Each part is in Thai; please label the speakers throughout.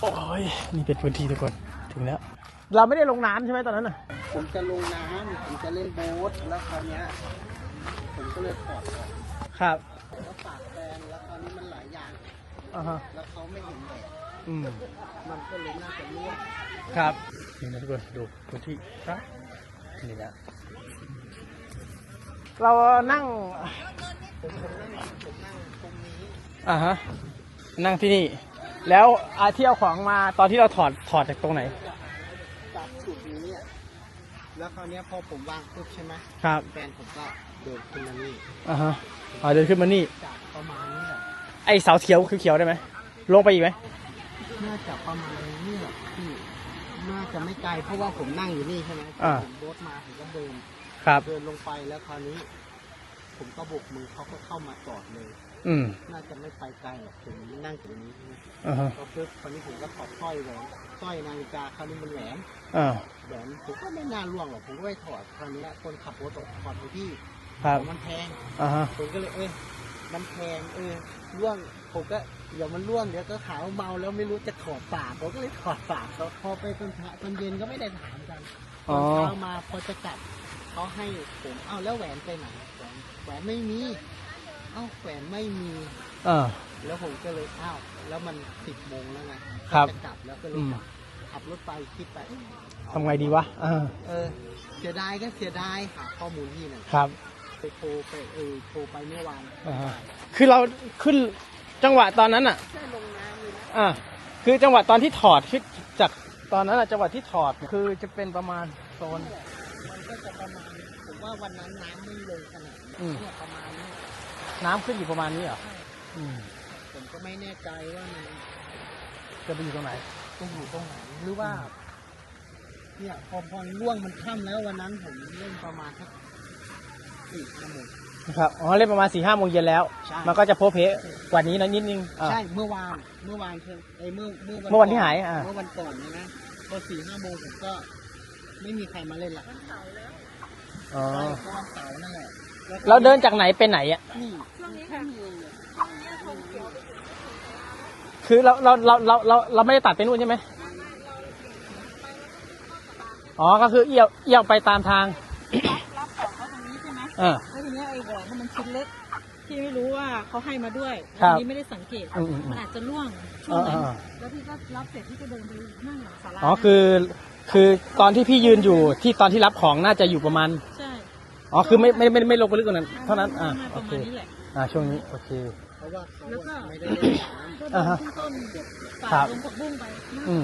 Speaker 1: โอ้ยนี่เป็นพื้นที่ทุกคนถึงแล้วเราไม่ได้ลงน้ำใช่ไหมตอนนั้นน่ะ
Speaker 2: ผมจะลงน้ำผมจะเล่นโบ๊ทแล้วคราวนี้ผมก็เลยถอดออก
Speaker 1: ครับ
Speaker 2: แล้วปากแฟนแล้วคราวนี้มันหลายอย่างแล้วเขาไม่เห็นแบบมันก็เลยน่าจะรั่ว
Speaker 1: ครับนี่นะทุกคนดูพื้นที่ครับนี่นะเรานั่ง
Speaker 2: ผมนั่งตรงนี้
Speaker 1: นั่งที่นี่แล้วที่เอาของมาตอนที่เราถอดจากตรงไหน
Speaker 2: จากจุดนี้แล้วคราวนี้พอผมวางปุ๊บใช่ไหม
Speaker 1: ครับ
Speaker 2: แฟนผมก็เดินขึ้นมานี่
Speaker 1: เดินขึ้นมานี่
Speaker 2: จากประมาณนี้แหละ
Speaker 1: ไอเสาเขียวคือเขียวได้ไหมลงไปอีกไหม
Speaker 2: น่าจะประมาณนี้แหละพี่น่าจะไม่ไกลเพราะว่าผมนั่งอยู่นี่ใช่ไหมผมรถมาผมก็เดินลงไปแล้วคราวนี้ผมก็โบกมือเขาก็เข้ามาจอดเลยน่าจะไม่ไปไกลหรอกผมนั่งอยู่ตรงนี้ก็ปุ๊บคราวนี้ผมก็ถอดสร้อยนาฬิกาคราวนี้มันแหวนผมก็ไม่น่าล่วงหรอกผมก็ไปถอดคราวนี้คนขับรถถอดไปที่มันแพงผมก็เลยมันแพงล่วงผมก็เดี๋ยวมันล่วงเดี๋ยวก็ขาวเมาแล้วไม่รู้จะถอดปากผมก็เลยถอดปากเขาพอไปตอนเย็นก็ไม่ได้ถามกันตอนเช้ามาพอจะกลับเขาให้ผมแล้วแหวนไปไหนแหวนไม่มีแหวนไม่มีแล้วผมก็เลยแล้วมัน10 โมงแล้วไงจะกลับแล้วก็เลยขับรถไปคิดไป
Speaker 1: ทำไงดีวะ
Speaker 2: เสียดายก็เสียดายหาข้อมูลที่หนึ่ง
Speaker 1: ครับ
Speaker 2: ไปโทรไปเมื่อวาน
Speaker 1: คือเราขึ้นจังหวะตอนนั้นอ่ะ
Speaker 2: ใช่ลงน้ำเลยนะ
Speaker 1: คือจังหวะตอนที่ถอดขึ้นจากตอนนั้นจังหวะที่ถอดคือจะเป็นประมาณโซน
Speaker 2: มันก็จะประมาณผมว่าวันนั้นน้ำไม่ลงขนาดนี้ประมาณนี้
Speaker 1: น้ำขึ้นอยู่ประมาณนี้เหรอ
Speaker 2: ผมก็ไม่แน่ใจว่ามัน
Speaker 1: จะไปอยู่ตรงไหน
Speaker 2: ต้องอยู่ตรงไหนหรือว่าเนี่ยพอล่วงมันค่ำแล้ววันนั้นผมเล่นประมาณสัก4 ชั่วโมง
Speaker 1: ครับเล่นประมาณ4-5 โมงเย็นแล้วมันก็จะโพเพกว่านี้นิดนึง
Speaker 2: ใช่เมื่อวานเมื่อ
Speaker 1: วันที่หาย
Speaker 2: เมื่อวันก่อนนะพอ4-5 โมงผมก็ไม่มีใครมาเล่นละวันเสาร์แล้ววันเสาร์นั่นแหละ
Speaker 1: เราเดินจากไหนไปไหน
Speaker 2: นี่ช่วงนี้ค่ะ
Speaker 1: คือเราไม่ได้ตัดไปนู่นใช่ไหมก็คือเอี่ยวไปตามทาง
Speaker 3: รับของเขาตรงนี้ใช่ไหมแล้วทีนี้ไอ้แหวนมันชิ้นเล็กที่ไม่รู้ว่าเขาให้มาด้วยทีนี้ไม่ได้สังเกตมันอาจจะล่วงช่วงนั้นแล้วพี่ก็รับเสร็จพี่ก็เดินไปนั่งหลังศาลา
Speaker 1: คือตอนที่พี่ยืนอยู่ที่ตอนที่รับของน่าจะอยู่ประมาณ
Speaker 3: ใช่
Speaker 1: คือไม่ลงไปลึกกว่านั้นเท่านั้นโอเคช่วงนี้โอเค
Speaker 2: เพราะว่า
Speaker 3: แล้วก็
Speaker 2: ไม่ได้เล่นน้
Speaker 3: ำต้นป่าลงผักบุ้งไป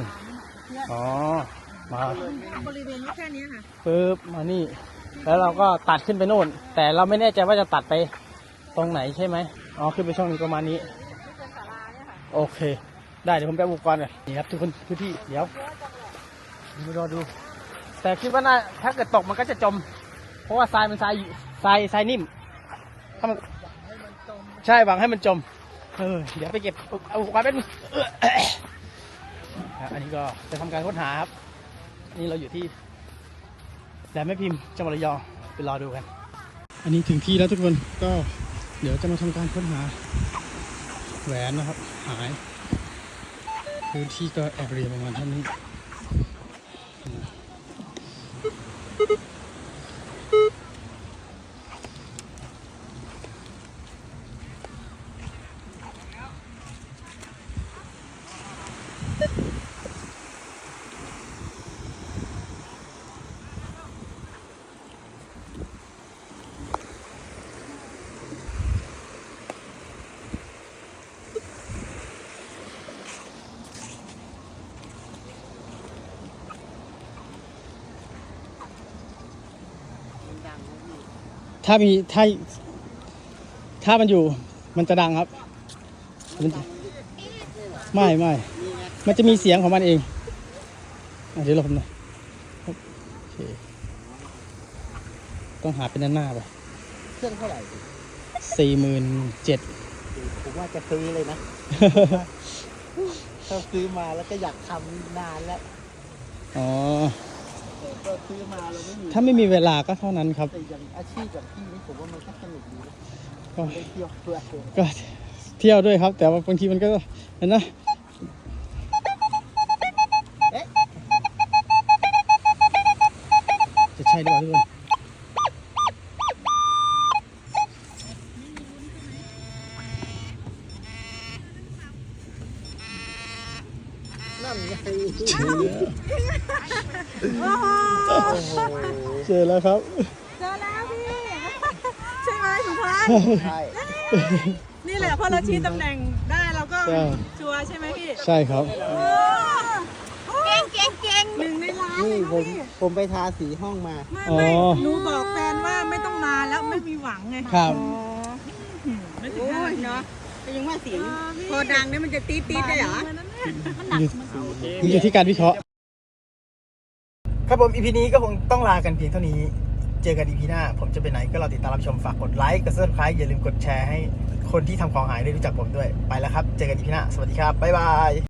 Speaker 1: มา
Speaker 3: บริเวณแค่นี้ค่ะ
Speaker 1: ปึ๊บมานี่แล้วเราก็ตัดขึ้นไปโน่นแต่เราไม่แน่ใจว่าจะตัดไปตรงไหนใช่ไหมขึ้นไปช่องนี้ประมาณนี้โอเคได้เดี๋ยวผมไปอุปกรณ์เลยนี่ครับทุกคนพื้นที่เดี๋ยวรอดูแต่คิดว่าถ้าเกิดตกมันก็จะจมเพราะว่าทรายมันทรายนิ่มถ้ามันใช่หวังให้มันจมเดี๋ยวไปเก็บอุปกรณ์เป็นอันนี้ก็จะทำการค้นหาครับนี่เราอยู่ที่แหลมแม่พิมพ์จังหวัดระยองไปรอดูกันอันนี้ถึงที่แล้วทุกคนก็เดี๋ยวจะมาทำการค้นหาแหวนนะครับหายพื้นที่ก็แอบเรียประมาณเท่านี้ถ้ามันอยู่มันจะดังครับไม่มันจะมีเสียงของมันเองเดี๋ยวเราผมหน่อยโอเคต้องหาเป็นหน้าไป
Speaker 2: เครื่องเท่าไหร่
Speaker 1: 47,000
Speaker 2: ผมว่าจะซื้อเลยนะถ้าซื้อมาแล้วก็อยากทำนานแล้วก็ซื้อมาเราไม่มี
Speaker 1: ถ้าไม่มีเวลาก็เท่านั้นครับ
Speaker 2: แต่อย่างอาชีพแบบที่นี้ผมว่ามันก็สนุกดีนะ
Speaker 1: ก็
Speaker 2: เที่ยวด้วย
Speaker 1: ก็เที่ยวด้วยครับแต่ว่าบางทีมันก็นะ
Speaker 3: โอ้โห
Speaker 1: เจอแล้วครับ
Speaker 3: เจอแล้วพี่ ใช่ไหมสุพรรณ
Speaker 2: ใช่
Speaker 3: นี่แหละพอเราชี้ตำแหน่งได้เราก็
Speaker 1: ใช่
Speaker 3: ชัวร์ใช่ไหมพี่
Speaker 1: ใช่ครับ
Speaker 3: เก่งเก่งเก่งหนึ่งในล้าน
Speaker 2: นี่
Speaker 3: เลย
Speaker 2: ผมไปทาสีห้องมา
Speaker 3: ไม่
Speaker 1: อ๋อ
Speaker 3: หนูบอกแฟนว่าไม่ต้องมาแล้วไม่มีหวังไง
Speaker 1: ครับ
Speaker 3: ไม่ถึงห้านาที
Speaker 4: เนาะแต่ยังว่าเสียงพอดังเนี่ยมันจะตี๊ดๆได้เหรอ
Speaker 3: มันหนักมันสูง
Speaker 1: อยู่ที่การวิเคราะห์ ครับผม EP นี้ก็คงต้องลากันเพียงเท่านี้ เจอกัน EP หน้า ผมจะไปไหนก็รอติดตามรับชม ฝากกดไลค์ กด Subscribe อย่าลืมกดแชร์ให้คนที่ทำของหายได้รู้จักผมด้วย ไปแล้วครับ เจอกัน EP หน้า สวัสดีครับ บ๊ายบาย